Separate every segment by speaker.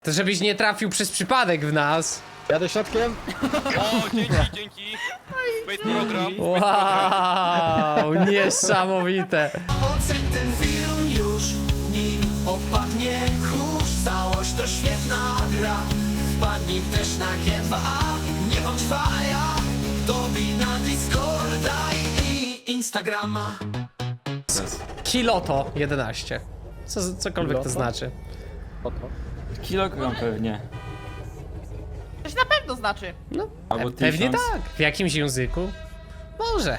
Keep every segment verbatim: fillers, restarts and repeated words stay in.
Speaker 1: To żebyś nie trafił przez przypadek w nas.
Speaker 2: Jadę środkiem.
Speaker 3: O, dzięki, dzięki. Space program.
Speaker 1: Wow, niesamowite.
Speaker 4: Oceń ten film już, nim opadnie kurz. Całość to świetna gra. Wpadnij też na G dwa A. Nie bądź faja. Dobij na Discorda i Instagrama.
Speaker 1: Kiloto jedenaście. Co, cokolwiek to
Speaker 2: Kiloto?
Speaker 1: znaczy.
Speaker 2: Oto.
Speaker 5: Kilogram pewnie.
Speaker 6: To się na pewno znaczy.
Speaker 1: No,
Speaker 5: Albo
Speaker 1: pe pewnie
Speaker 5: tysiąc.
Speaker 1: tak. W jakimś języku? Może.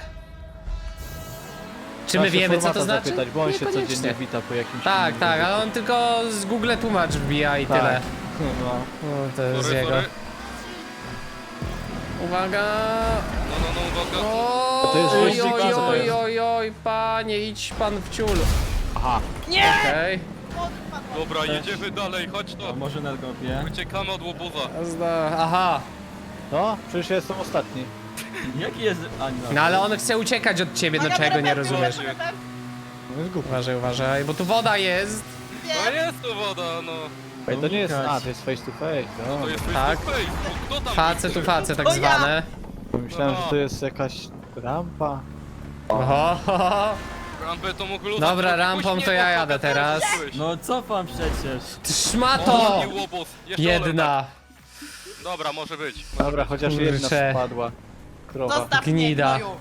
Speaker 1: Czy
Speaker 2: Trzeba
Speaker 1: my
Speaker 2: się
Speaker 1: wiemy, co
Speaker 2: formata
Speaker 1: to znaczy?
Speaker 2: Zapytać, bo on się
Speaker 1: Niekoniecznie.
Speaker 2: codziennie wita po jakimś
Speaker 1: Tak,
Speaker 2: innym
Speaker 1: tak,
Speaker 2: języku.
Speaker 1: ale on tylko z Google tłumacz wbija i
Speaker 2: Tak.
Speaker 1: tyle.
Speaker 2: No.
Speaker 1: No, to jest
Speaker 3: Sorry,
Speaker 1: jego.
Speaker 3: sorry.
Speaker 1: Uwaga!
Speaker 3: No, no, no, uwaga.
Speaker 1: Oj,
Speaker 2: to jest
Speaker 1: oj,
Speaker 2: wyścig,
Speaker 1: oj,
Speaker 2: co to
Speaker 1: oj,
Speaker 2: jest?
Speaker 1: oj, oj, panie, idź pan w ciul.
Speaker 2: Aha.
Speaker 6: Nie!
Speaker 1: Okej.
Speaker 3: Dobra, jedziemy dalej, chodź
Speaker 5: A
Speaker 3: to.
Speaker 5: może na kopie?
Speaker 3: Uciekamy od łobuza.
Speaker 1: Zda- Aha.
Speaker 2: No, przecież ja jestem ostatni.
Speaker 5: Jaki jest... A, no.
Speaker 1: No ale on chce uciekać od ciebie, no czego nie rozumiesz?
Speaker 2: No jest głupi.
Speaker 1: Uważaj, uważaj, bo tu woda jest.
Speaker 3: No jest tu woda, no.
Speaker 2: Ej, to nie jest...
Speaker 5: Unikać.
Speaker 2: A, to jest face to face. No.
Speaker 3: To jest face
Speaker 1: Tak.
Speaker 3: to face. No, kto tam
Speaker 1: Face
Speaker 3: jest?
Speaker 1: tu face tak
Speaker 6: To ja.
Speaker 1: zwane.
Speaker 2: Myślałem, że to jest jakaś rampa.
Speaker 1: Oho, ho, ho.
Speaker 3: Rampę to mógł
Speaker 1: Dobra, rampą to ja jadę teraz.
Speaker 5: No cofam przecież.
Speaker 1: Ty szmato!
Speaker 3: O, łobuz. Jeszcze
Speaker 1: Jedna.
Speaker 3: olej. Dobra, może być.
Speaker 2: Dobra, chociaż jedna
Speaker 1: Kurczę.
Speaker 2: spadła. Krowa.
Speaker 6: Zostaw
Speaker 1: Gnida.
Speaker 6: mnie, gnoju.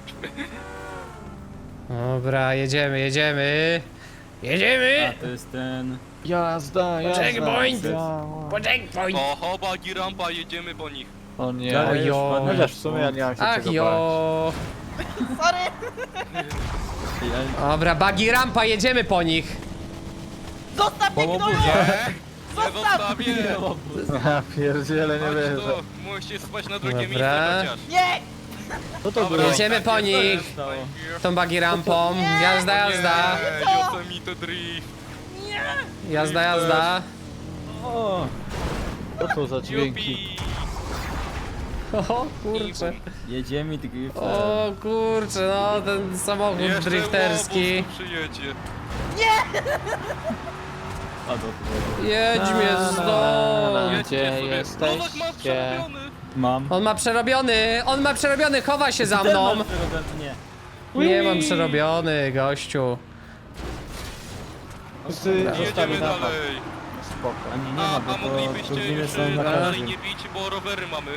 Speaker 1: Dobra, jedziemy, jedziemy.
Speaker 5: A
Speaker 1: Jedziemy!
Speaker 5: to jest ten...
Speaker 2: Jazda, jazda.
Speaker 1: Checkpoint.
Speaker 2: Jazda.
Speaker 1: Po checkpoint!
Speaker 3: Oho, bagi rampa, jedziemy po nich.
Speaker 2: O nie.
Speaker 5: Dalej już
Speaker 1: Ojo.
Speaker 5: padłem.
Speaker 2: Chociaż w sumie ja nie mam się
Speaker 1: Ach
Speaker 2: czego bać.
Speaker 1: jo!
Speaker 6: Sorry.
Speaker 5: Ja...
Speaker 1: Dobra, bagi rampa, jedziemy po nich.
Speaker 6: Zostaw mnie,
Speaker 5: Po
Speaker 6: gnoju.
Speaker 5: łobuzie.
Speaker 3: Nie, nie zostawię.
Speaker 2: Ja pierdziele, nie
Speaker 3: Chodź
Speaker 2: wierzę.
Speaker 3: tu, musisz spać na drugie
Speaker 1: Dobra.
Speaker 3: miejsce chociaż.
Speaker 6: Nie!
Speaker 2: Co to
Speaker 3: Dobra.
Speaker 2: było?
Speaker 1: Jedziemy po nich.
Speaker 5: Stało.
Speaker 1: Tą bagi rampą. Jazda, jazda.
Speaker 3: Nie, Yosemite Drift.
Speaker 1: Jazda, jazda.
Speaker 5: O!
Speaker 2: Co to za dźwięki?
Speaker 3: Jupi.
Speaker 1: O kurczę.
Speaker 5: Jedziemy driftem.
Speaker 1: O kurczę, no ten samochód
Speaker 3: Jeszcze
Speaker 1: drifterski.
Speaker 3: łobuz tu przyjedzie.
Speaker 5: A do
Speaker 1: Jedź mnie stąd.
Speaker 3: Jedźcie
Speaker 2: Gdzie
Speaker 3: sobie.
Speaker 2: jesteście?
Speaker 3: Nowak ma przerobiony.
Speaker 5: Mam.
Speaker 1: On ma przerobiony, on ma przerobiony, chowa się za
Speaker 5: Ten
Speaker 1: mną.
Speaker 5: mam przerobiony, Nie.
Speaker 1: Nie mam przerobiony, gościu.
Speaker 2: Wszyscy zostali
Speaker 3: Jedziemy
Speaker 2: na
Speaker 3: dalej.
Speaker 2: Spoko.
Speaker 5: A nie, nie
Speaker 3: A,
Speaker 5: ma,
Speaker 3: a
Speaker 5: bo to
Speaker 3: moglibyście
Speaker 5: turbiny
Speaker 3: już
Speaker 5: są na
Speaker 3: dalej
Speaker 5: każdym.
Speaker 3: nie bić, bo rowery mamy.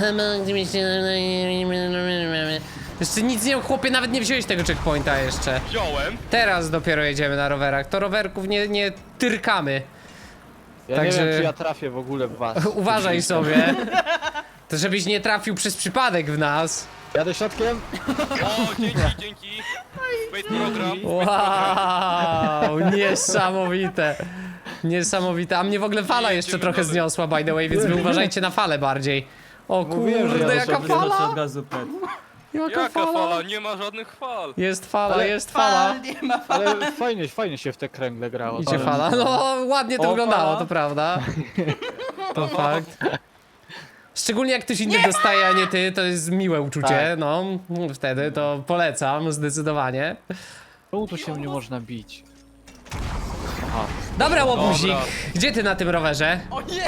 Speaker 1: Jeszcze nic nie, chłopie, nawet nie wziąłeś tego checkpointa jeszcze.
Speaker 3: Wziąłem.
Speaker 1: Teraz dopiero jedziemy na rowerach, to rowerków nie, nie tyrkamy.
Speaker 2: Ja
Speaker 1: Także-
Speaker 2: nie wiem, czy ja trafię w ogóle w was.
Speaker 1: Uważaj sobie. To żebyś nie trafił przez przypadek w nas.
Speaker 2: Jadę środkiem.
Speaker 3: O, dzięki, dzięki. Space program. Space program.
Speaker 1: Wow, niesamowite. Niesamowite. A mnie w ogóle fala jeszcze trochę zniosła, by the way, więc wy uważajcie na falę bardziej. O
Speaker 2: Mówiłem, że
Speaker 1: kurde,
Speaker 2: ja
Speaker 1: jaka
Speaker 2: sobie
Speaker 5: Wyskoczy
Speaker 1: fala!
Speaker 5: od razu pet.
Speaker 1: Jaka
Speaker 3: Jaka fala?
Speaker 1: fala!
Speaker 3: Nie ma żadnych fal.
Speaker 1: Jest fala,
Speaker 2: Ale
Speaker 1: jest fala.
Speaker 6: Fal, nie ma fal.
Speaker 2: Ale fajnie, fajnie się w te kręgle grało.
Speaker 1: Idzie
Speaker 2: To-
Speaker 1: fala. No, ładnie to
Speaker 2: O,
Speaker 1: wyglądało,
Speaker 2: fala.
Speaker 1: to prawda. To fakt. Szczególnie jak ktoś inny dostaje, a nie ty, to jest miłe uczucie,
Speaker 2: Tak.
Speaker 1: no. Wtedy to polecam, zdecydowanie.
Speaker 2: Czemu tu się nie można bić? Aha.
Speaker 1: Dobra, łobuzik,
Speaker 3: Dobra.
Speaker 1: gdzie ty na tym rowerze?
Speaker 6: O nie!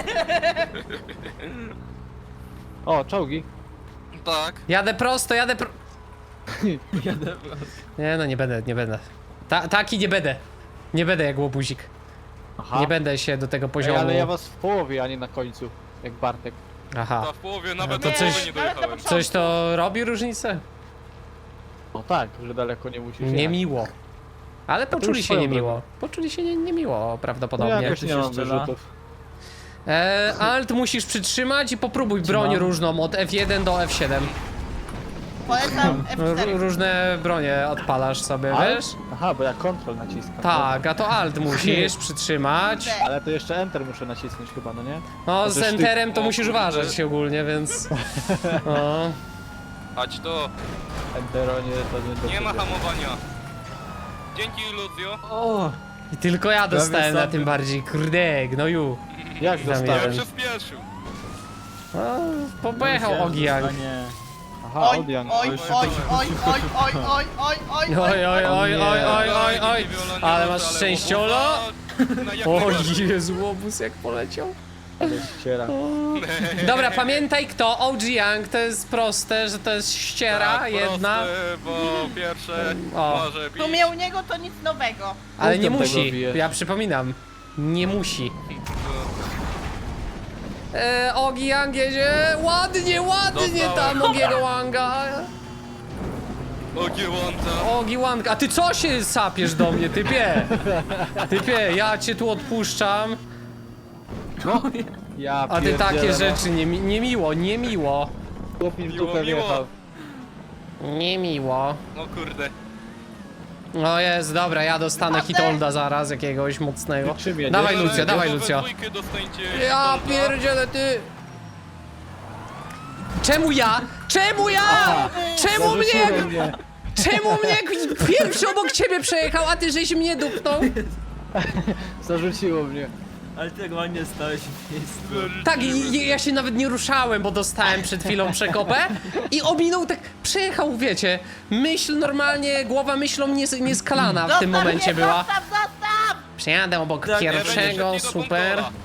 Speaker 2: O, czołgi.
Speaker 3: Tak.
Speaker 1: Jadę prosto, jadę pro...
Speaker 5: Jadę prosto.
Speaker 1: Nie no, nie będę, nie będę. Ta, taki nie będę. Nie będę jak łobuzik.
Speaker 2: Aha.
Speaker 1: Nie będę się do tego
Speaker 2: Ej,
Speaker 1: poziomu...
Speaker 2: ale ja was w połowie, a nie na końcu. Jak Bartek.
Speaker 1: Aha.
Speaker 3: Ta w połowie nawet
Speaker 1: to
Speaker 3: do
Speaker 1: coś-
Speaker 3: połowy nie dojechałem.
Speaker 1: Coś to robi różnicę?
Speaker 2: No tak, że daleko nie musisz jechać.
Speaker 1: Niemiło. Ale poczuli
Speaker 2: już
Speaker 1: się
Speaker 2: swoją
Speaker 1: niemiło.
Speaker 2: drogą.
Speaker 1: Poczuli się nie, niemiło
Speaker 2: No
Speaker 1: prawdopodobnie.
Speaker 2: jakoś
Speaker 5: Tu
Speaker 2: nie
Speaker 5: się
Speaker 2: mam
Speaker 5: strzela.
Speaker 2: wyrzutów.
Speaker 1: E, alt musisz przytrzymać i popróbuj broń
Speaker 5: Trzymam.
Speaker 1: różną od F jeden do F siedem.
Speaker 6: Polecam F
Speaker 1: R
Speaker 6: cztery.
Speaker 1: różne bronie odpalasz sobie,
Speaker 2: Ale?
Speaker 1: wiesz?
Speaker 2: Aha, bo ja kontrol naciskam.
Speaker 1: Tak, a to alt musisz przytrzymać.
Speaker 2: Ale to jeszcze Enter muszę nacisnąć chyba, no nie?
Speaker 1: No z
Speaker 2: Chociaż ty-
Speaker 1: enterem to
Speaker 3: O
Speaker 1: musisz
Speaker 3: kurde.
Speaker 1: uważać się ogólnie, więc... No.
Speaker 3: Chodź to.
Speaker 2: Entero nie, to nie do
Speaker 3: Nie ma
Speaker 2: ciebie.
Speaker 3: hamowania. Dzięki, Lucio.
Speaker 5: O!
Speaker 1: I tylko ja dostałem na
Speaker 5: sobie.
Speaker 1: tym bardziej, kurde, gnoju.
Speaker 2: Jak
Speaker 1: Tam
Speaker 3: Ja
Speaker 2: dostałem?
Speaker 1: jeden.
Speaker 3: przyspieszył.
Speaker 1: No, po, pojechał Ogiang.
Speaker 5: A nie.
Speaker 2: Aha,
Speaker 6: Oj,
Speaker 2: Odian.
Speaker 6: oj, oj, oj, oj, oj, oj, oj, oj,
Speaker 1: Oj, oj, oj, oj, oj, oj, oj.
Speaker 3: Niewiola,
Speaker 1: Ale
Speaker 3: niewiola,
Speaker 1: masz szczęściolo.
Speaker 3: łobuza. Na jak
Speaker 1: O
Speaker 3: najbardziej.
Speaker 1: Jezu, łobuz jak poleciał.
Speaker 5: Ale ściera.
Speaker 1: Dobra, pamiętaj kto, O G Young, to jest proste, że to jest ściera
Speaker 3: Tak,
Speaker 1: jedna,
Speaker 3: proste, bo pierwsze
Speaker 1: O.
Speaker 3: może
Speaker 6: W
Speaker 3: bić.
Speaker 6: sumie u niego to nic nowego.
Speaker 1: ale nie
Speaker 5: Punktem tego
Speaker 1: musi,
Speaker 5: bijesz.
Speaker 1: ja przypominam, nie musi. E, Ogi Yang jedzie, ładnie, ładnie
Speaker 3: Dostałem.
Speaker 1: tam Ogiego Wanga.
Speaker 3: Ogiełąca.
Speaker 1: Ogi Wang, a ty co się sapiesz do mnie, typie? Typie, ja cię tu odpuszczam,
Speaker 5: Ja
Speaker 1: a ty takie
Speaker 5: pierdzielę, no.
Speaker 1: rzeczy, nie, niemiło, niemiło,
Speaker 5: Chłop mi w
Speaker 3: Miło,
Speaker 5: dupę
Speaker 3: miło.
Speaker 5: wjechał.
Speaker 1: niemiło.
Speaker 3: O kurde.
Speaker 1: No jest, dobra, ja dostanę hitolda zaraz, jakiegoś mocnego.
Speaker 5: Ty czym jedziesz?
Speaker 1: Dawaj
Speaker 3: Ale
Speaker 1: Lucio, dawaj
Speaker 3: we
Speaker 1: Lucio.
Speaker 3: dwójkę dostańcie
Speaker 1: Ja
Speaker 3: Hitolda.
Speaker 1: pierdzielę, ty! Czemu ja? Czemu ja? Czemu mnie?
Speaker 5: Zarzuciłem mnie.
Speaker 1: Czemu mnie pierwszy obok ciebie przejechał, a ty żeś mnie dupnął?
Speaker 5: Zarzuciło mnie. Ale ty ładnie stałeś w miejscu.
Speaker 1: Tak, i, i ja się nawet nie ruszałem, bo dostałem przed chwilą przekopę i ominął tak, przejechał, wiecie, myśl normalnie, głowa myślą nies, nieskalana w tym
Speaker 6: Zostaw
Speaker 1: momencie
Speaker 6: mnie,
Speaker 1: była.
Speaker 6: Zostaw, zostaw!
Speaker 1: Przejadę obok
Speaker 5: Tak,
Speaker 3: Nie będzie
Speaker 1: pierwszego,
Speaker 3: szybkiego
Speaker 1: super.
Speaker 3: kontrola.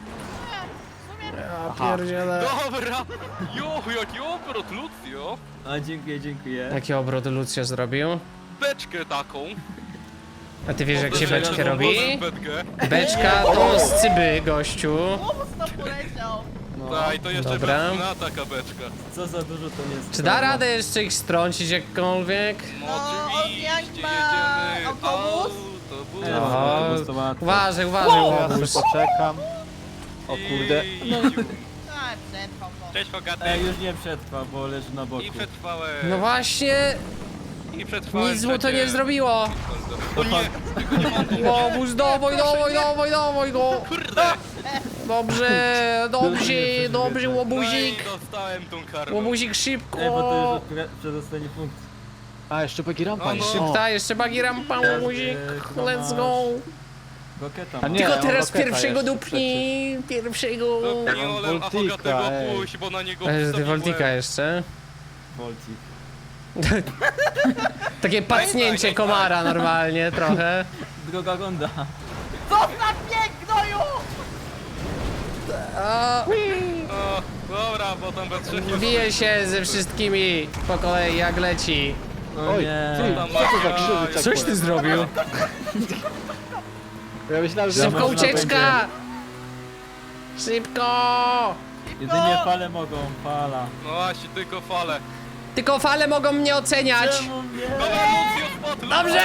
Speaker 1: Ja pierdzielę.
Speaker 3: Dobra. Jo, jaki obrot, Lucio.
Speaker 5: A dziękuję, dziękuję.
Speaker 1: Jaki obrót Lucio zrobił?
Speaker 3: Beczkę taką.
Speaker 1: A ty wiesz jak się
Speaker 3: Uderzenia
Speaker 1: beczkę
Speaker 3: z
Speaker 1: robi?
Speaker 3: obozem Beczkę.
Speaker 1: Beczka to z cyby, gościu.
Speaker 6: Łobuz to poleciał.
Speaker 3: Tak, i to jeszcze
Speaker 1: Dobra.
Speaker 3: na taka beczka.
Speaker 5: Co za dużo to nie jest.
Speaker 1: Czy da radę jeszcze ich strącić jakkolwiek?
Speaker 3: No
Speaker 6: No,
Speaker 3: oczywiście,
Speaker 6: jak ma
Speaker 3: jedziemy.
Speaker 6: autobus?
Speaker 3: Autobus.
Speaker 5: Nie,
Speaker 1: Oho,
Speaker 5: autobus to łatwo.
Speaker 1: uważaj, uważaj,
Speaker 5: Ja sobie
Speaker 1: łobuz.
Speaker 5: poczekam. O kurde.
Speaker 3: I...
Speaker 6: Tak, przetrwał to.
Speaker 3: Cześć Hogaty.
Speaker 5: Ej, już nie przetrwa, bo leży na boku.
Speaker 3: I przetrwałem.
Speaker 1: No właśnie,
Speaker 3: I przetrwałem.
Speaker 1: nic mu to
Speaker 3: przecież.
Speaker 1: nie zrobiło.
Speaker 3: O nie, tylko nie mam go.
Speaker 1: Łobuz, dawaj, dawaj, dawaj, dawaj go.
Speaker 3: Kurde.
Speaker 1: Dobrze, dobrze, dobrze,
Speaker 3: No i
Speaker 1: łobuzik.
Speaker 3: dostałem tą karmę.
Speaker 1: Łobuzik szybko.
Speaker 5: Ej, bo to już od- przedostanie punkt. A, jeszcze bagi rampa
Speaker 3: No,
Speaker 5: jest.
Speaker 3: no.
Speaker 1: Szybta, jeszcze bagi rampa, łobuzik. Let's go.
Speaker 5: Roketa
Speaker 1: Tylko
Speaker 5: mam.
Speaker 1: teraz
Speaker 5: roketa
Speaker 1: pierwszego
Speaker 5: jeszcze
Speaker 1: dupnij, pierwszego.
Speaker 3: To nie
Speaker 5: mam
Speaker 3: olem, a
Speaker 5: Voltika,
Speaker 3: Hogatego
Speaker 5: ej.
Speaker 3: puść, bo na niego
Speaker 1: E, Ty
Speaker 3: wstawiłem.
Speaker 1: Voltika jeszcze.
Speaker 5: Voltik.
Speaker 1: Takie pacnięcie komara normalnie trochę.
Speaker 5: Droga ronda.
Speaker 6: Zostaw mnie, gnoju!
Speaker 1: O,
Speaker 3: O, dobra, bo tam we trzech jest...
Speaker 1: bije się ze wszystkimi po kolei jak leci.
Speaker 5: O Oj, nie. ty,
Speaker 3: Tam
Speaker 5: co to za krzywy
Speaker 3: Oj,
Speaker 5: checkpoint?
Speaker 1: Coś ty zrobił?
Speaker 5: Ja myślałem, że
Speaker 1: Szybko
Speaker 5: można
Speaker 1: ucieczka! Szybko!
Speaker 5: będzie- Jedynie fale mogą, fala.
Speaker 3: No właśnie, tylko fale.
Speaker 1: Tylko fale mogą mnie oceniać.
Speaker 5: mnie?
Speaker 3: Dobra, Lucio, spot, Lucio.
Speaker 1: Dobrze!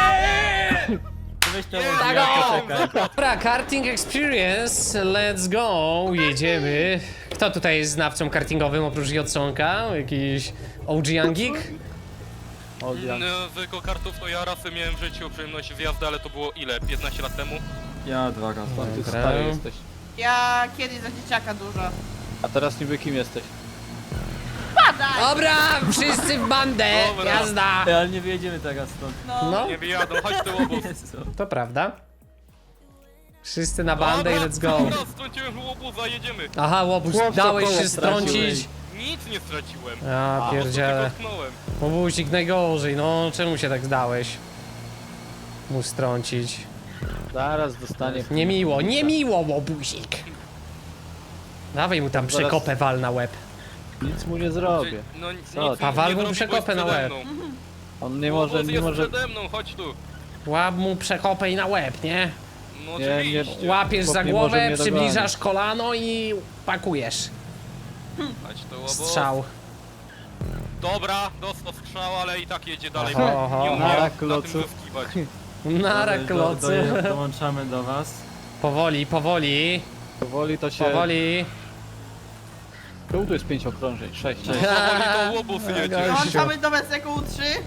Speaker 5: Weź to
Speaker 1: Tak
Speaker 5: ładnie,
Speaker 1: o!
Speaker 5: czekaj.
Speaker 1: Dobra, karting experience, let's go, jedziemy. Kto tutaj jest znawcą kartingowym oprócz Jodsonka? Jakiś O G Youngik?
Speaker 5: O, ja,
Speaker 3: No, tylko kartów to ja raz miałem w życiu przyjemność wjazdy, ale to było ile? piętnaście lat temu?
Speaker 5: ja dwa razy. Ty
Speaker 1: Dobra.
Speaker 5: stary jesteś.
Speaker 6: Ja kiedyś za dzieciaka dużo.
Speaker 5: A teraz niby kim jesteś?
Speaker 6: Padaj!
Speaker 1: Dobra, wszyscy w bandę,
Speaker 3: Dobra.
Speaker 1: jazda!
Speaker 5: Ej, ale nie wyjedziemy teraz stąd.
Speaker 6: No.
Speaker 1: No,
Speaker 3: Nie wyjadą, chodź tu łobuz.
Speaker 5: Jezu.
Speaker 1: to prawda. Wszyscy na bandę i let's go.
Speaker 3: Dobra, strąciłem łobuza, jedziemy.
Speaker 1: Aha, łobuz,
Speaker 5: Chłopca
Speaker 1: dałeś
Speaker 5: koło
Speaker 1: się strącić.
Speaker 5: straciłeś.
Speaker 3: Nic nie straciłem.
Speaker 1: Ja
Speaker 3: Po prostu
Speaker 1: pierdzielę.
Speaker 3: tylko tknąłem.
Speaker 1: Łobuzik najgorzej, no czemu się tak zdałeś? Mu strącić.
Speaker 5: Zaraz dostanie.
Speaker 1: Niemiło, niemiło, łobuzik! Dawaj mu tam
Speaker 5: Zaraz-
Speaker 1: przekopę wal na łeb.
Speaker 5: Nic mu nie zrobię.
Speaker 3: No nic
Speaker 5: Co?
Speaker 3: nic
Speaker 1: A wal
Speaker 3: nie
Speaker 1: mu
Speaker 3: zrobiłeś
Speaker 1: przekopę na
Speaker 3: przede
Speaker 1: łeb.
Speaker 3: mną.
Speaker 5: On nie może,
Speaker 3: Łobuz
Speaker 5: nie
Speaker 3: jest
Speaker 5: może.
Speaker 3: przede mną, chodź tu.
Speaker 1: Łap mu przekopę i na łeb, nie?
Speaker 3: No
Speaker 5: Nie, nie.
Speaker 3: oczywiście.
Speaker 1: Łapiesz za
Speaker 5: Chłop nie może
Speaker 1: głowę,
Speaker 5: mnie
Speaker 1: przybliżasz kolano i pakujesz.
Speaker 3: Chodź tu łobuz.
Speaker 1: Strzał.
Speaker 3: Dobra, dostał strzał, ale i tak jedzie dalej.
Speaker 1: Oho, oho,
Speaker 3: nie umie
Speaker 5: oho.
Speaker 3: na
Speaker 5: Na
Speaker 3: tym
Speaker 5: klocu.
Speaker 3: zyskiwać.
Speaker 1: Nara
Speaker 5: Do-
Speaker 1: klocu.
Speaker 5: do- Dołączamy do was.
Speaker 1: Powoli, powoli,
Speaker 5: Powoli to się.
Speaker 1: powoli.
Speaker 5: Tu jest pięć okrążeń, sześć.
Speaker 3: Powoli to łobuz jedzie.
Speaker 6: Dołączamy do Messeku U trzy.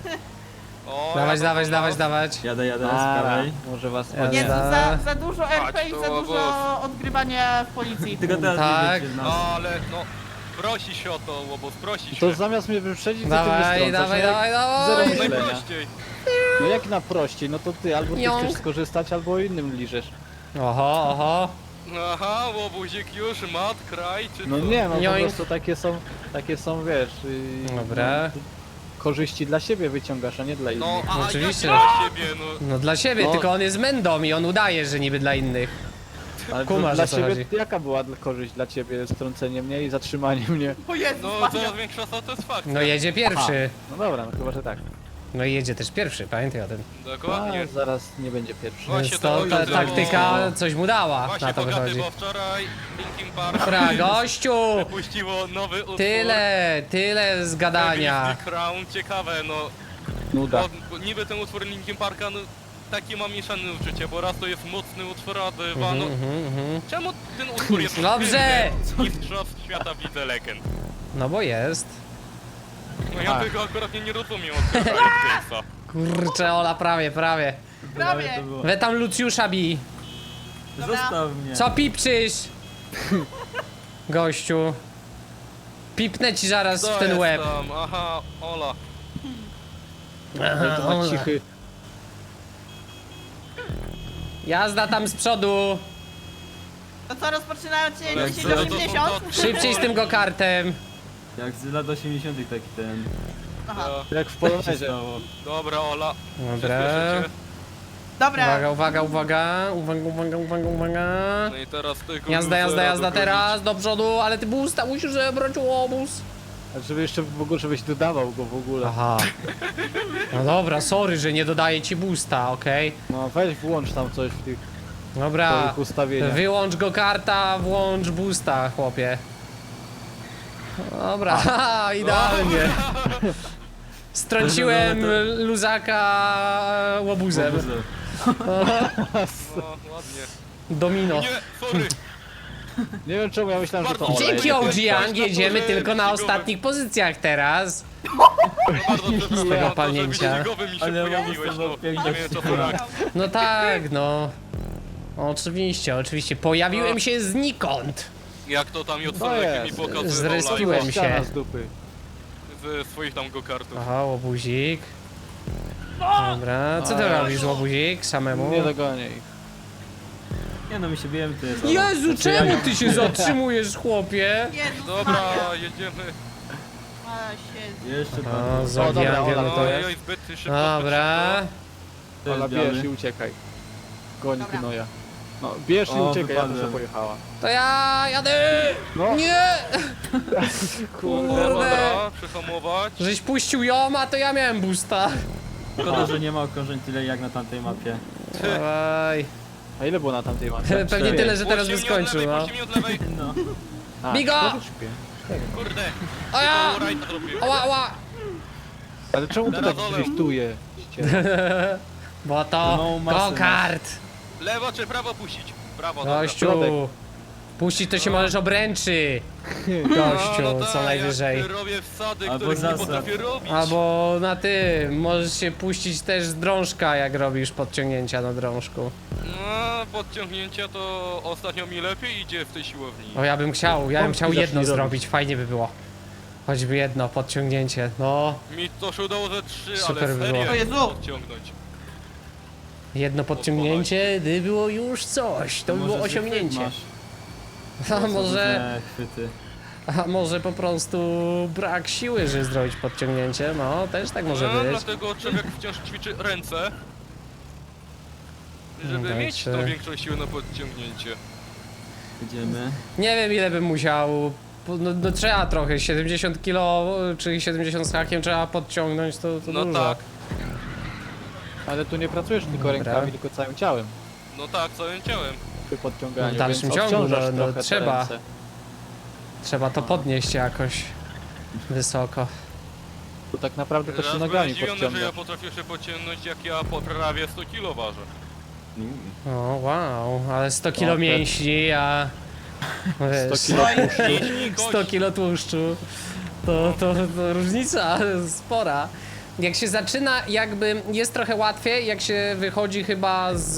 Speaker 3: O,
Speaker 1: Dawać,
Speaker 3: ja
Speaker 1: dawać,
Speaker 3: to-
Speaker 1: dawać, dawać.
Speaker 5: Jadę, jadę z
Speaker 1: Ara.
Speaker 5: prawej. Może was
Speaker 1: Jadę.
Speaker 6: Jest
Speaker 1: Da.
Speaker 6: za, za dużo R P i
Speaker 3: Chodź
Speaker 6: za
Speaker 3: tu,
Speaker 6: dużo odgrywania w policji.
Speaker 5: Tylko teraz
Speaker 1: Tak.
Speaker 5: nie wiecie nas.
Speaker 3: Ale no, prosi się o to łobuz, prosi się.
Speaker 5: To zamiast mnie wyprzedzić, to ty
Speaker 1: Dawaj,
Speaker 5: wystrącasz,
Speaker 1: dawaj,
Speaker 5: no jak-
Speaker 1: dawaj,
Speaker 5: Zero
Speaker 1: dawaj.
Speaker 5: myślenia.
Speaker 3: Najprościej.
Speaker 5: No jak na prościej, no to ty albo ty
Speaker 1: Jąg.
Speaker 5: chcesz skorzystać, albo innym liżesz.
Speaker 1: Oho, oho.
Speaker 3: Aha, łobuzik już, mat, kraj, czy
Speaker 5: No
Speaker 3: co?
Speaker 5: nie, no po
Speaker 1: Joink.
Speaker 5: prostu takie są, takie są, wiesz... Yy,
Speaker 1: Dobra.
Speaker 5: no,
Speaker 2: korzyści dla siebie wyciągasz, a nie dla innych.
Speaker 3: No, a
Speaker 1: Oczywiście.
Speaker 3: jak dla siebie, no.
Speaker 1: No dla siebie,
Speaker 2: No.
Speaker 1: tylko on jest mędą i on udaje, że niby dla innych.
Speaker 2: Ale
Speaker 1: kumasz,
Speaker 2: dla
Speaker 1: o co
Speaker 2: siebie,
Speaker 1: chodzi.
Speaker 2: jaka była dla- korzyść dla ciebie strącenie mnie i zatrzymanie mnie?
Speaker 6: O Jezus
Speaker 3: No,
Speaker 6: Maria.
Speaker 3: coraz większa satysfakcja.
Speaker 1: No jedzie pierwszy.
Speaker 2: No dobra, no chyba, że tak.
Speaker 1: No i jedzie też pierwszy, pamiętaj o tym.
Speaker 3: Dokładnie.
Speaker 2: A, zaraz nie będzie pierwszy.
Speaker 3: Właśnie
Speaker 1: Więc
Speaker 3: to
Speaker 1: to ta
Speaker 3: pokazywało-
Speaker 1: taktyka coś mu dała,
Speaker 3: Właśnie
Speaker 1: na to
Speaker 3: bogaty,
Speaker 1: wychodzi.
Speaker 3: bo wczoraj Linkin Park
Speaker 1: Dobra, gościu!
Speaker 3: puściło nowy utwór.
Speaker 1: Tyle, tyle z gadania.
Speaker 3: Heaven's Crown, ciekawe, no.
Speaker 2: Nuda.
Speaker 3: Bo, bo niby ten utwór Linkin Parka, no, takie mam mieszane uczucie, bo raz to jest mocny utwór, a dwa, no.
Speaker 1: Mhm, mhm.
Speaker 3: Czemu ten utwór jest
Speaker 1: Dobrze!
Speaker 3: Mistrzostw świata widzę legend.
Speaker 1: No bo jest.
Speaker 3: No ja
Speaker 2: Tak.
Speaker 3: tego akurat nie, nie rozumiem od tego Alexa.
Speaker 1: Kurczę, Ola, prawie, prawie.
Speaker 6: Prawie.
Speaker 5: To było.
Speaker 1: We tam Lucjusza bij.
Speaker 5: Zostaw mnie.
Speaker 1: Co pipczysz? Gościu. Pipnę ci zaraz
Speaker 3: Co
Speaker 1: w ten
Speaker 3: jest
Speaker 1: łeb.
Speaker 3: tam? Aha, Ola.
Speaker 1: Aha,
Speaker 2: To ma
Speaker 1: Ola.
Speaker 2: cichy.
Speaker 1: Jazda tam z przodu.
Speaker 6: To co, rozpoczynają cię
Speaker 3: Ale
Speaker 6: dziesięć
Speaker 3: co, to
Speaker 6: osiemdziesiąt?
Speaker 3: są to-
Speaker 1: Szybciej z tym go-kartem.
Speaker 5: Jak z lat osiemdziesiątych taki ten.
Speaker 6: Aha.
Speaker 3: Ja.
Speaker 2: Jak w
Speaker 5: się
Speaker 2: Polonezie.
Speaker 5: stało.
Speaker 3: Dobra, Ola.
Speaker 1: Dobra.
Speaker 3: Przyspieszycie.
Speaker 6: Dobra.
Speaker 1: Uwaga, uwaga, uwaga. Uwaga, uwaga, uwaga, uwaga.
Speaker 3: No i teraz tego
Speaker 1: Jazda, jazda,
Speaker 3: luzera
Speaker 1: jazda
Speaker 3: dogonić.
Speaker 1: teraz do przodu, ale ty boosta musisz zebrać łobuz.
Speaker 2: A żeby jeszcze w ogóle, żebyś dodawał go w ogóle.
Speaker 1: Aha. No dobra, sorry, że nie dodaję ci boosta, okej?
Speaker 2: No weź włącz tam coś w tych
Speaker 1: Dobra.
Speaker 2: twoich ustawieniach.
Speaker 1: Wyłącz go karta, włącz boosta, chłopie. Dobra, haha, idealnie. Strąciłem luzaka łobuzem.
Speaker 5: Łobuzy.
Speaker 3: No, ładnie.
Speaker 1: Domino.
Speaker 3: Nie, sorry.
Speaker 2: Nie wiem czemu ja myślałem, że to
Speaker 3: Bardzo
Speaker 2: olej.
Speaker 1: Dzięki
Speaker 3: Olej.
Speaker 1: O G Young
Speaker 3: Olej.
Speaker 1: jedziemy
Speaker 3: Olej.
Speaker 1: tylko na
Speaker 3: Olej.
Speaker 1: ostatnich pozycjach teraz.
Speaker 3: No bardzo przepraszam,
Speaker 1: Tego
Speaker 3: to, że
Speaker 1: palnięcia.
Speaker 3: widzieligowy mi się
Speaker 5: Ale
Speaker 3: pojawiłeś,
Speaker 5: łobuz
Speaker 3: no.
Speaker 5: to pięknie
Speaker 3: Nie wiem co to rak.
Speaker 1: No tak, no. Oczywiście, oczywiście. Pojawiłem się znikąd.
Speaker 3: Jak to tam
Speaker 2: To
Speaker 3: Jotsonek mi
Speaker 2: jest.
Speaker 3: pokazywał
Speaker 1: Zrespiłem
Speaker 3: live
Speaker 1: się.
Speaker 2: Ściana z dupy.
Speaker 3: ze swoich tam go-kartów.
Speaker 1: Aha, łobuzik. Dobra, co ty
Speaker 2: Oj.
Speaker 1: robisz, łobuzik, samemu?
Speaker 2: Nie dogonię ich.
Speaker 5: Nie no, my się bijemy to jest.
Speaker 1: Jezu, czemu ty się zatrzymujesz, chłopie?
Speaker 6: Jezus
Speaker 3: Dobra,
Speaker 6: Maria.
Speaker 3: jedziemy.
Speaker 6: A, się...
Speaker 5: Jeszcze
Speaker 1: O,
Speaker 5: pan.
Speaker 1: z O G
Speaker 2: dobra,
Speaker 1: Youngiem
Speaker 2: Ola,
Speaker 1: to
Speaker 2: to
Speaker 1: jest.
Speaker 3: Ojoj, zbyt szybko,
Speaker 1: Dobra.
Speaker 5: To jest
Speaker 2: Ola, bierz
Speaker 5: biały.
Speaker 2: i uciekaj. Goń
Speaker 6: Dobra.
Speaker 2: gnoja. No, bierz i
Speaker 5: O,
Speaker 2: uciekaj, ja
Speaker 5: wypadłem.
Speaker 2: muszę pojechała.
Speaker 1: To ja jadę!
Speaker 2: No.
Speaker 1: Nie!
Speaker 3: szybko.
Speaker 1: Kurde!
Speaker 3: Dobra, przyhamować.
Speaker 1: Żeś puścił ją, a to ja miałem boosta.
Speaker 5: Szkoda, że nie ma okrążeń tyle jak na tamtej mapie.
Speaker 1: Dawaj.
Speaker 2: A ile było na tamtej mapie?
Speaker 1: Pewnie
Speaker 2: Cztery.
Speaker 1: tyle, że teraz by
Speaker 3: Puśćcie mnie od
Speaker 1: skończył,
Speaker 3: lewej,
Speaker 1: no.
Speaker 3: puśćcie mnie od lewej.
Speaker 5: No.
Speaker 2: A,
Speaker 1: Bigo!
Speaker 2: cztery czy pięć?
Speaker 3: Kurde.
Speaker 1: O ja!
Speaker 3: To rajda zrobił.
Speaker 1: Ała, ała!
Speaker 2: Ale czemu to tak
Speaker 3: Teraz olej.
Speaker 2: driftuje?
Speaker 1: Bo to
Speaker 5: No, masę
Speaker 1: go-kart.
Speaker 3: Lewo czy prawo puścić? Prawo, dobra.
Speaker 1: Gościu.
Speaker 2: Środek.
Speaker 1: Puścić to się możesz obręczy. Gościu,
Speaker 3: No, no
Speaker 1: co
Speaker 3: tak,
Speaker 1: najwyżej.
Speaker 3: Ja robię wsady,
Speaker 5: Albo
Speaker 3: których nie
Speaker 5: zasad.
Speaker 3: potrafię robić.
Speaker 1: Albo na ty, możesz się puścić też z drążka, jak robisz podciągnięcia na drążku.
Speaker 3: No, podciągnięcia to ostatnio mi lepiej idzie w tej siłowni.
Speaker 1: O, ja bym chciał, ja bym
Speaker 2: Pompki
Speaker 1: chciał
Speaker 2: zacznij
Speaker 1: jedno
Speaker 2: robić.
Speaker 1: zrobić, fajnie by było. Choćby jedno, podciągnięcie, no.
Speaker 3: Mi to się udało ze trzy,
Speaker 1: Super
Speaker 3: ale
Speaker 1: by
Speaker 3: serię
Speaker 1: było.
Speaker 6: O Jezu!
Speaker 3: podciągnąć.
Speaker 1: Jedno podciągnięcie, gdy było już coś, to by
Speaker 5: Może
Speaker 1: było
Speaker 5: ty chwyt
Speaker 1: osiągnięcie.
Speaker 5: masz.
Speaker 1: A może,
Speaker 5: Różne chwyty.
Speaker 1: a może po prostu brak siły, żeby zrobić podciągnięcie, no, też tak może
Speaker 3: no,
Speaker 1: być.
Speaker 3: dlatego człowiek wciąż ćwiczy ręce, żeby
Speaker 1: No,
Speaker 3: mieć
Speaker 1: czy-
Speaker 3: tą większą siłę na podciągnięcie.
Speaker 5: Idziemy.
Speaker 1: Nie wiem ile bym musiał, no, no trzeba trochę, siedemdziesiąt kilo, czy siedemdziesiąt z hakiem trzeba podciągnąć, to, to
Speaker 3: No
Speaker 1: dużo.
Speaker 3: tak,
Speaker 2: Ale tu nie pracujesz tylko
Speaker 1: Dobra.
Speaker 2: rękami, tylko całym ciałem
Speaker 3: no tak, całym ciałem.
Speaker 2: przy podciąganiu,
Speaker 1: W dalszym
Speaker 2: więc
Speaker 1: ciągu,
Speaker 2: obciążasz
Speaker 1: no- no
Speaker 2: trochę te
Speaker 1: trzeba.
Speaker 2: ręce.
Speaker 1: Trzeba to podnieść jakoś wysoko.
Speaker 2: To tak naprawdę też się
Speaker 3: Raz byłem
Speaker 2: nogami
Speaker 3: zdziwiony, że ja
Speaker 2: podciągasz.
Speaker 3: potrafię się podciągnąć, jak ja po prawie sto kilo ważę.
Speaker 5: Mm.
Speaker 1: O, wow, ale sto kilo
Speaker 2: O, te-
Speaker 1: mięśni, a wiesz,
Speaker 2: sto kilo tłuszczu.
Speaker 3: Mięśni,
Speaker 1: sto
Speaker 3: kość.
Speaker 1: kilo tłuszczu, to, to, to różnica spora. Jak się zaczyna, jakby jest trochę łatwiej, jak się wychodzi chyba z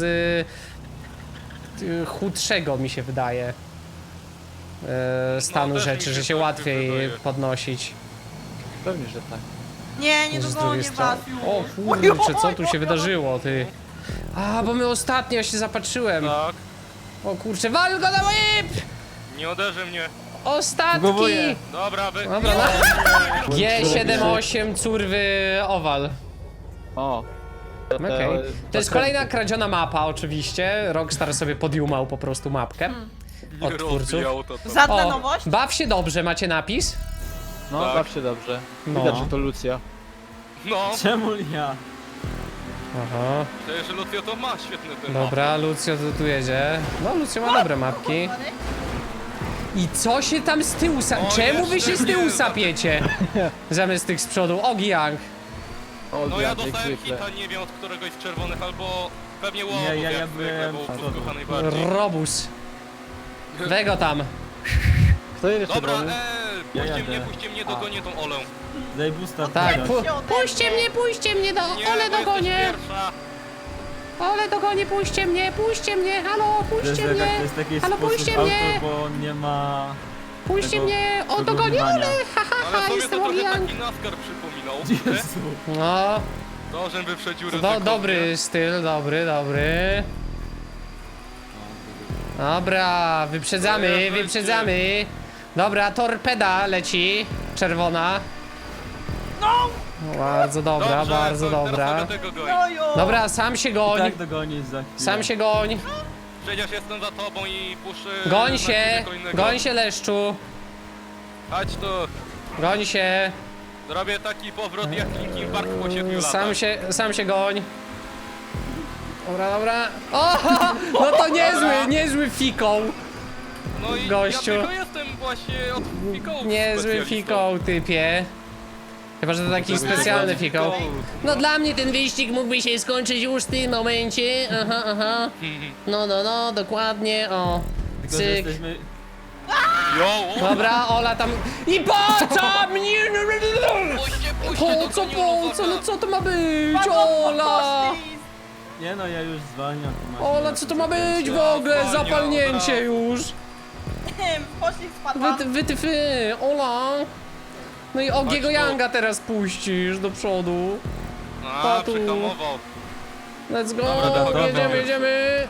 Speaker 1: y, chudszego, mi się wydaje, y, stanu
Speaker 3: też mi
Speaker 1: rzeczy,
Speaker 3: się
Speaker 1: że się
Speaker 3: tak
Speaker 1: łatwiej
Speaker 3: wydaje.
Speaker 1: podnosić.
Speaker 2: Pewnie, że tak.
Speaker 6: Nie, nie
Speaker 1: niż z
Speaker 6: dogonię
Speaker 1: drugiej strony.
Speaker 6: was już.
Speaker 1: O kurczę, co tu się wydarzyło, ty? A, bo my ostatnio się zapatrzyłem.
Speaker 3: Tak,
Speaker 1: O kurczę, wal go na łeb!
Speaker 3: nie uderzy mnie.
Speaker 1: Ostatki!
Speaker 5: Głowuję.
Speaker 3: Dobra, wy...
Speaker 1: Dobra, no. G siedem osiem curwy owal.
Speaker 2: O.
Speaker 1: Okej. To jest kolejna kradziona mapa oczywiście. Rockstar sobie podjumał po prostu mapkę.
Speaker 3: Nie
Speaker 1: od twórców.
Speaker 3: rozbijał to tam.
Speaker 6: Żadna
Speaker 1: O,
Speaker 6: nowość?
Speaker 1: baw się dobrze, macie napis?
Speaker 2: No,
Speaker 3: Tak.
Speaker 2: baw się dobrze.
Speaker 1: No.
Speaker 2: Widać, że to Lucja.
Speaker 3: No,
Speaker 5: Czemu ja?
Speaker 1: Aha.
Speaker 3: przecież Lucio to ma świetny ten
Speaker 1: Dobra, Lucio tu, tu jedzie. No, Lucio ma dobre mapki. I co się tam z tyłu sa...
Speaker 3: O,
Speaker 1: Czemu wy
Speaker 3: jeszcze
Speaker 1: się z tyłu
Speaker 3: nie,
Speaker 1: sapiecie? Zamiast tych z przodu. Ogi Young.
Speaker 2: O,
Speaker 3: No ja
Speaker 2: jak
Speaker 3: dostałem
Speaker 2: zwykle.
Speaker 3: hita, nie wiem od któregoś z czerwonych, albo pewnie łobów,
Speaker 5: Nie, ja- ja
Speaker 3: jak zwykle,
Speaker 5: byłem
Speaker 3: bo
Speaker 5: z
Speaker 3: łobów
Speaker 5: przodu.
Speaker 3: kocha najbardziej.
Speaker 1: Robus. Wego tam.
Speaker 2: Kto jedzie
Speaker 3: Dobra,
Speaker 2: czerwony?
Speaker 3: eee,
Speaker 5: Ja
Speaker 3: puśćcie
Speaker 5: jadę.
Speaker 3: mnie, puśćcie mnie, dogonię tą Olę.
Speaker 5: Daj boosta.
Speaker 1: Tak,
Speaker 5: Puść.
Speaker 1: pu puśćcie mnie, puśćcie mnie do...
Speaker 3: Nie,
Speaker 1: Ole
Speaker 3: bo jesteś
Speaker 1: dogonię.
Speaker 3: pierwsza.
Speaker 1: Ole dogonię, puśćcie mnie, puśćcie mnie. Halo,
Speaker 5: To jest,
Speaker 1: puśćcie
Speaker 5: taka,
Speaker 1: mnie.
Speaker 5: to jest taki
Speaker 1: Halo,
Speaker 5: sposób
Speaker 1: puśćcie
Speaker 5: auto,
Speaker 1: mnie.
Speaker 5: bo on nie ma...
Speaker 1: Puśćcie
Speaker 5: tego
Speaker 1: mnie. O, dogonię
Speaker 5: wygonywania.
Speaker 1: Ole. Ha, ha,
Speaker 3: Ale
Speaker 1: ha,
Speaker 3: sobie to
Speaker 1: jestem
Speaker 3: trochę
Speaker 1: Ogi Young.
Speaker 3: taki NASCAR przypominał. nie?
Speaker 5: Jezu.
Speaker 1: No,
Speaker 3: To, żem wyprzedził
Speaker 1: do,
Speaker 3: ryzykownie.
Speaker 1: dobry styl, dobry, dobry. Dobra, wyprzedzamy,
Speaker 3: Jezu,
Speaker 1: wyprzedzamy. Dobra, torpeda leci, czerwona. No! Bardzo dobra,
Speaker 3: Dobrze,
Speaker 1: bardzo
Speaker 3: to teraz
Speaker 1: dobra.
Speaker 3: sobie tego goń.
Speaker 6: Jojo!
Speaker 1: Dobra, sam się goń,
Speaker 5: Tak dogonisz za chwilę.
Speaker 1: sam się goń.
Speaker 3: Przecież jestem za tobą i puszę...
Speaker 1: Goń się, goń się leszczu,
Speaker 3: Chodź tu.
Speaker 1: goń się.
Speaker 3: Zrobię taki powrót jak Linkin Park po siedmiu latach.
Speaker 1: Sam się, sam się goń. Dobra, dobra. O, no to niezły, niezły fikoł.
Speaker 3: No i
Speaker 1: gościu.
Speaker 3: ja tylko jestem właśnie od fikołów
Speaker 1: Niezły
Speaker 3: specjalistą.
Speaker 1: fikoł, typie. Chyba, że to taki specjalny fikoł. No dla mnie ten wyścig mógłby się skończyć już w tym momencie. Aha, aha. No, no, no, dokładnie, o.
Speaker 5: Tylko, że
Speaker 1: Cyk.
Speaker 5: jesteśmy...
Speaker 3: Jo, o,
Speaker 1: Dobra, Ola tam... I po co mnie?
Speaker 3: puśćcie, puśćcie,
Speaker 1: Po co,
Speaker 3: dogonię
Speaker 1: po
Speaker 3: Luzaka.
Speaker 1: co, no co to ma być?
Speaker 6: Padło
Speaker 1: Ola!
Speaker 6: poszli.
Speaker 5: Nie no, ja już zwalniam. tu masz-
Speaker 1: Ola, co to ma być w ogóle?
Speaker 3: Zwalnia,
Speaker 1: Zapalnięcie
Speaker 3: dobra.
Speaker 1: już.
Speaker 6: Poszli spadła.
Speaker 1: Wy, wy, ty, wy, Ola. No i Ogiego
Speaker 3: Chodź tu.
Speaker 1: Younga teraz puścisz do przodu.
Speaker 3: A,
Speaker 1: Patu.
Speaker 3: przehamował.
Speaker 1: Let's go,
Speaker 3: Dobra, dobra,
Speaker 1: jedziemy,
Speaker 3: dobra.
Speaker 1: jedziemy.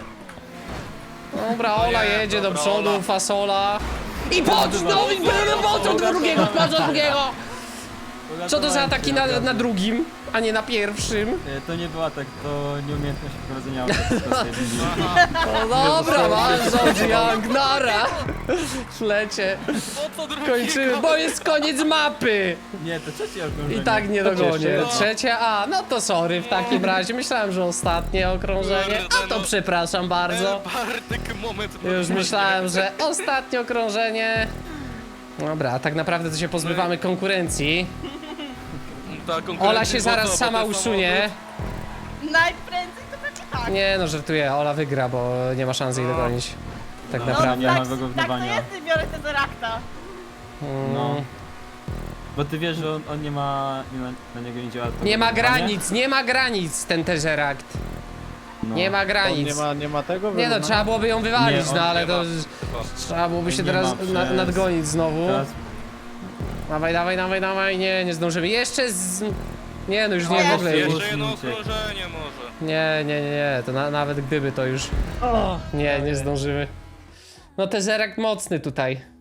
Speaker 1: Dobra, Ola
Speaker 3: nie,
Speaker 1: jedzie do
Speaker 3: dobra,
Speaker 1: przodu,
Speaker 3: Ola.
Speaker 1: fasola. I pod znowu, po co do drugiego, po co drugiego? Co to za ataki na, na drugim, a nie na pierwszym?
Speaker 5: Nie, to nie była tak, to nieumiejętność prowadzenia auta. po prostu.
Speaker 1: No dobra, masz Young, nara. Lecie,
Speaker 3: Po co drugiego?
Speaker 1: kończymy, bo jest koniec mapy.
Speaker 5: Nie, to trzecie okrążenie.
Speaker 1: I tak nie dogonię.
Speaker 2: jeszcze?
Speaker 1: Trzecie A, no to sorry w takim razie. Myślałem, że ostatnie okrążenie. A to przepraszam bardzo.
Speaker 3: Bartek, moment.
Speaker 1: Już myślałem, że ostatnie okrążenie. Dobra, a tak naprawdę to się pozbywamy konkurencji.
Speaker 3: Ta konkurencja
Speaker 1: Ola się
Speaker 3: po
Speaker 1: zaraz
Speaker 3: co?
Speaker 1: sama
Speaker 3: Bo ten
Speaker 1: usunie.
Speaker 6: Najprędzej to będzie tak.
Speaker 1: Nie no, żartuję, Ola wygra, bo nie ma szansy jej dogonić. Tak
Speaker 5: No,
Speaker 6: No,
Speaker 1: naprawdę.
Speaker 5: nie ma
Speaker 6: tak, tak to
Speaker 5: wyrównywania.
Speaker 6: jest, biorę te zerakta.
Speaker 5: No.
Speaker 1: Mm.
Speaker 5: Bo ty wiesz, że on, on nie ma... Nie na, na niego nie działa to
Speaker 1: Nie ma
Speaker 5: wyrównywanie?
Speaker 1: granic, nie ma granic ten Tesseract.
Speaker 5: No.
Speaker 1: Nie ma
Speaker 2: On
Speaker 1: granic.
Speaker 2: nie ma, nie ma tego?
Speaker 1: Nie no,
Speaker 2: wyrównania?
Speaker 1: trzeba byłoby ją wywalić,
Speaker 5: Nie, on
Speaker 1: no ale
Speaker 3: nie
Speaker 1: to...
Speaker 3: ma. Chyba.
Speaker 1: Trzeba byłoby się
Speaker 5: Nie
Speaker 1: teraz
Speaker 5: ma
Speaker 1: na,
Speaker 5: przez-
Speaker 1: nadgonić znowu.
Speaker 5: Teraz
Speaker 1: Dawaj, dawaj, dawaj, dawaj, nie, nie zdążymy. Jeszcze z... Nie, no już nie
Speaker 6: O,
Speaker 1: w ogóle już.
Speaker 3: Jeszcze jedno
Speaker 5: Usuńcie.
Speaker 3: okrążenie może.
Speaker 1: Nie, nie, nie, nie, to na, nawet gdyby to już... Nie, nie zdążymy. No Tesseract mocny tutaj.